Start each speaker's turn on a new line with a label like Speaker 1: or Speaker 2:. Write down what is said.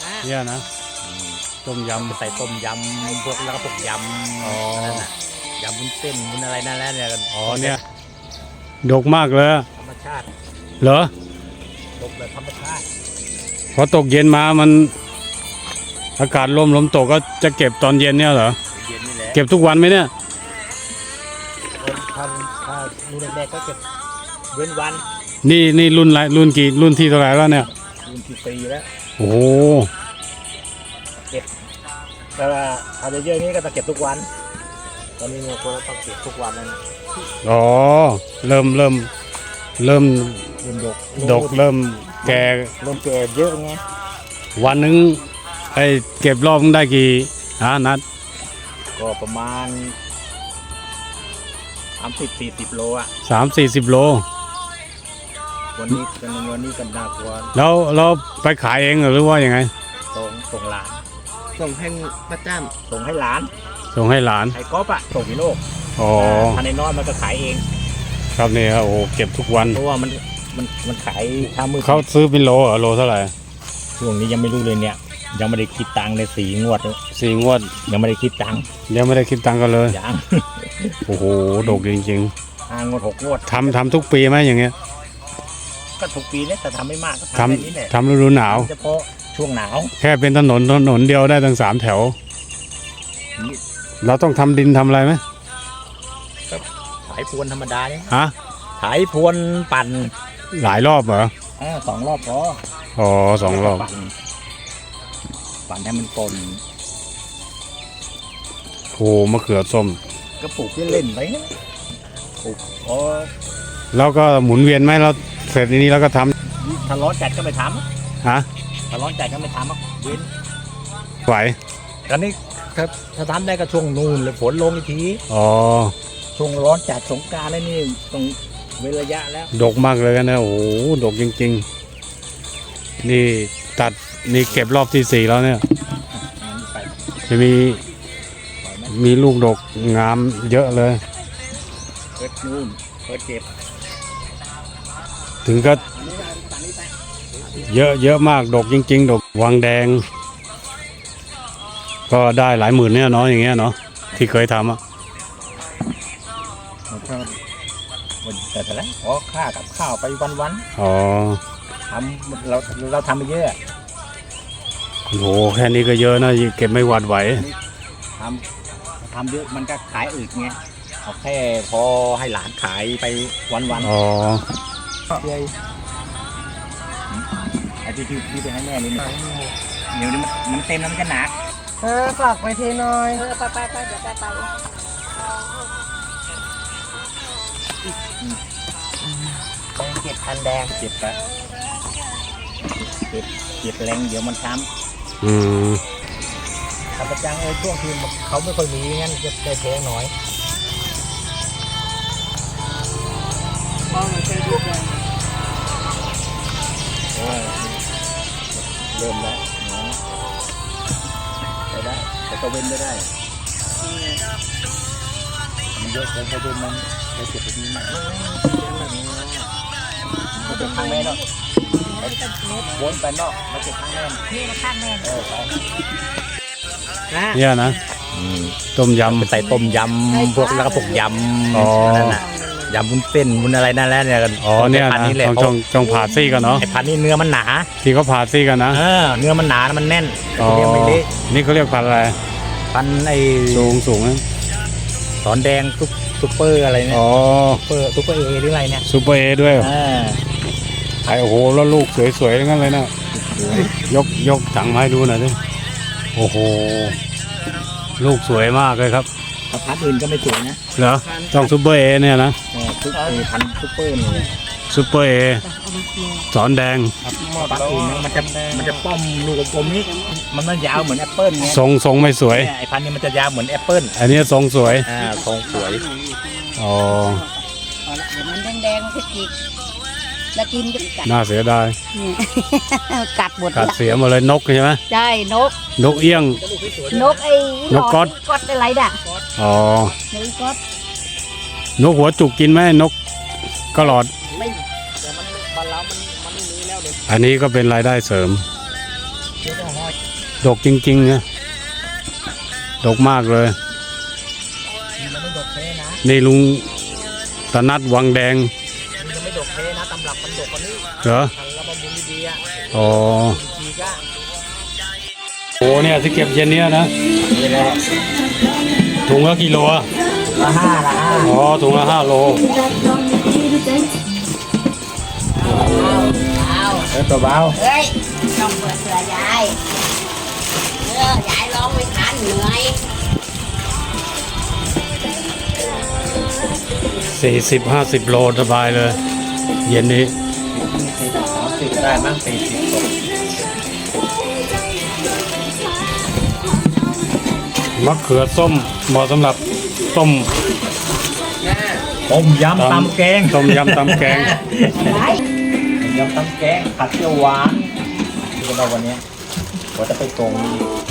Speaker 1: เนี่ยนะต้มยำ
Speaker 2: ใส่ต้มยำพวกแล้วก็พวกยำนั่นน่ะยำวุ้นเส้นวุ้นอะไรนั่นแหละเนี่ยกัน
Speaker 1: อ๋อเนี่ยดกมากเลย
Speaker 2: ธรรมชาติ
Speaker 1: เหรอ
Speaker 2: ดกแบบธรรมชาติ
Speaker 1: พอตกเย็นมามันอากาศลมตกก็จะเก็บตอนเย็นเนี่ยเหรอ
Speaker 2: เย็นนี่แหละ
Speaker 1: เก็บทุกวันไหมเนี่ย
Speaker 2: ถ้ารุ่นแรกๆก็เก็บเว้นวัน
Speaker 1: นี่รุ่นอะไรรุ่นกี่รุ่นที่เท่าไหร่แล้วเนี่ย
Speaker 2: รุ่นที่ปีแล้ว
Speaker 1: โอ้โห
Speaker 2: เก็บแต่ว่าถ้าเยอะๆนี้ก็จะเก็บทุกวันตอนนี้เราก็ต้องเก็บทุกวันแล้ว
Speaker 1: อ๋อเริ่มดกเริ่มแก่
Speaker 2: เยอะไง
Speaker 1: วันนึงไอเก็บรอบได้กี่นัด
Speaker 2: ก็ประมาณ30-40 โลอ่ะ
Speaker 1: 30-40 โล
Speaker 2: วันนี้กันน่ากลัว
Speaker 1: แล้วไปขายเองหรือว่ายังไง
Speaker 2: ส่งหลาน
Speaker 3: ส่งให้ป้าจ้ำ
Speaker 2: ส่งให้หลาน
Speaker 1: ไ
Speaker 2: อ้ก๊อฟอ่ะส่งพี่โลก
Speaker 1: อ๋อ
Speaker 2: ภายในน้อยมันก็ขายเอง
Speaker 1: ครับนี่ครับโอ้เก็บทุกวัน
Speaker 2: เพราะว่ามันขายทำมือ
Speaker 1: เขาซื้อเป็นโลโลเท่าไหร่
Speaker 2: ช่วงนี้ยังไม่รู้เลยเนี่ยยังไม่ได้คิดตังค์เลย4 งวดยังไม่ได้คิดตังค์
Speaker 1: กันเลย
Speaker 2: ยัง
Speaker 1: โอ้โหดกจริง
Speaker 2: ๆ5 งวด 6 งวด
Speaker 1: ทำทุกปีไหมอย่างเงี้ย
Speaker 2: ก็ทุกปีเนี่ยแต่ทำไม่มากก็
Speaker 1: ทำแบบนี้แหละทำฤดูหนาว
Speaker 2: เฉพาะช่วงหนาว
Speaker 1: แค่เป็นถนนเดียวได้ตั้ง3 แถวเราต้องทำดินทำอะไรไหม
Speaker 2: ถ่ายพรวนธรรมดาเนี่ยถ่า
Speaker 1: ย
Speaker 2: พรวนปั่น
Speaker 1: หลายรอบเหรอ
Speaker 2: 2 รอบพอ
Speaker 1: อ๋อ2 รอบ
Speaker 2: ปั่นให้มันปน
Speaker 1: โอ้มะเขือส้ม
Speaker 2: ก็ปลูกเล่นไปปลูก
Speaker 1: แล้วก็หมุนเวียนไหมเราเสร็จนี้แล้วก็ท
Speaker 2: ำถ้าร้อนจัดก็ไม่ทำถ้าร้อนจัดก็ไม่ทำเว้น
Speaker 1: ไหว
Speaker 2: ตอนนี้ถ้าทำได้ก็ช่วงนู่นเลยฝนลงอีกที
Speaker 1: อ๋อ
Speaker 2: ช่วงร้อนจัดสงกรานต์แล้วนี่ต้องเว้นระยะแล้ว
Speaker 1: ดกมากเลยนะโอ้โหดกจริงๆนี่ตัดนี่เก็บรอบที่4แล้วเนี่ยจะมีลูกดกงามเยอะเลย
Speaker 2: เปิดนู่นเปิดเก็บ
Speaker 1: ถึงก็เยอะมากดกจริงๆดกวังแดงก็ได้หลายหมื่นเนี่ยเนาะอย่างเงี้ยเนาะที่เคยทำ
Speaker 2: แต่ละค่ากับข้าวไปวัน
Speaker 1: อ๋อ
Speaker 2: ทำเราทำไปเยอะ
Speaker 1: โอ้โหแค่นี้ก็เยอะนะเก็บไม่หวาดไหว
Speaker 2: ทำเยอะมันก็ขายอึดไงเอาแค่พอให้หลานขายไปวัน
Speaker 1: อ๋อ
Speaker 2: ไอ้ที่ไปให้แม่นี่เดี๋ยวมันเต็มแล้วมันจะหนัก
Speaker 3: ฝากไปเทน้อย
Speaker 2: ไปเดี๋ยวไปเก็บพันแดงเก็บไปเก็บแรงเดี๋ยวมันช้ำถ้าประจังช่วงที่เขาไม่ค่อยมีงั้นจะได้แพงหน่อยเริ่มแล้วได้แต่ก็เว้นไม่ได้มันเยอะเกินไปจนมันไปเก็บไปนี้มันเป็นทางแม่เนาะวนไปนอกมาเก็บทางแม่
Speaker 3: นี่มาข้างแม่
Speaker 1: เนี่ยนะต้มยำ
Speaker 2: ใส่ต้มยำพวกแล้วก็พวกยำนั่นน่ะยำวุ้นเส้นวุ้นอะไรนั่นแหละเนี่ยกัน
Speaker 1: อ๋อเนี่ยนะต้องผ่าซี่กันเนาะ
Speaker 2: ไอ้พันนี่เนื้อมันหนา
Speaker 1: ที่เขาผ่าซี่กันนะ
Speaker 2: เนื้อมันหนามันแน่น
Speaker 1: นี่เขาเรียกพันอะไร
Speaker 2: พันไอ้
Speaker 1: สูงนะ
Speaker 2: สอนแดงซุปเปอร์อะไรเนี่ยซุปเปอร์เอหรืออะไรเนี่ย
Speaker 1: ซุปเปอร์เอด้วยไอ้โอ้โหแล้วลูกสวยๆทั้งนั้นเลยนะยกถังมาให้ดูหน่อยดิโอ้โหลูกสวยมากเลยครับ
Speaker 2: พันอื่นก็ไม่สวยนะ
Speaker 1: เหรอต้องซุปเปอร์เอเนี่ยนะ
Speaker 2: พันซุปเปอร์นี่
Speaker 1: ซุปเปอร์เอสอนแดง
Speaker 2: พันอื่นมันจะป้อมลูกกลมนี้มันยาวเหมือนแอปเปิ้ลไง
Speaker 1: ทรงไม่สวย
Speaker 2: ไอ้พันนี้มันจะยาวเหมือนแอปเปิ้ล
Speaker 1: อันนี้ทรงสวย
Speaker 2: ทรงสวย
Speaker 1: อ๋อ
Speaker 3: มันแดงๆพริกจิกแล้วกินกัด
Speaker 1: น่าเสียดาย
Speaker 3: กัดหมด
Speaker 1: กัดเสียหมดเลยนกใช่ไหม
Speaker 3: ใช่
Speaker 1: นกเอี้ยง
Speaker 3: นกก๊อดอะไรด่ะ
Speaker 1: อ๋อนกหัวจุกกินไหมนกกระหลอด
Speaker 2: ไม่แต่มันบ้านเรามันไม่มีแล้วเลย
Speaker 1: อันนี้ก็เป็นรายได้เสริม
Speaker 2: เยอะก็ห้อย
Speaker 1: ดกจริงๆนะดกมากเลย
Speaker 2: มันไม่ดกเทนะ
Speaker 1: นี่ลุงตะนัดวังแดง
Speaker 2: มันไม่ดกเทนะตำรับมันดกกว่านี้
Speaker 1: เหรอ
Speaker 2: ทางระบำบุญดีๆอ่ะ
Speaker 1: อ๋อ
Speaker 2: ดีก็
Speaker 1: โอ้เนี่ยที่เก็บเย็นเนี้ยนะ
Speaker 2: นี่แหละ
Speaker 1: ถุงละกิโลอะ
Speaker 2: ละห้า
Speaker 1: อ๋อถุงละ5 โล
Speaker 2: ตัวเบา
Speaker 3: เฮ้ยต้องเปิดเสือยายยายร้องไม่ทันเหนื่อย
Speaker 1: 40-50 โลสบายเลย เย็นนี้
Speaker 2: 30ได้มั้ง40ตก
Speaker 1: มะเขือส้มเหมาะสำหรับต้ม
Speaker 2: ต้มยำตำแกง
Speaker 1: ต้มยำตำแกง
Speaker 2: ต้มยำตำแกงผัดเปรี้ยวหวานที่เราวันนี้ว่าจะไปตรง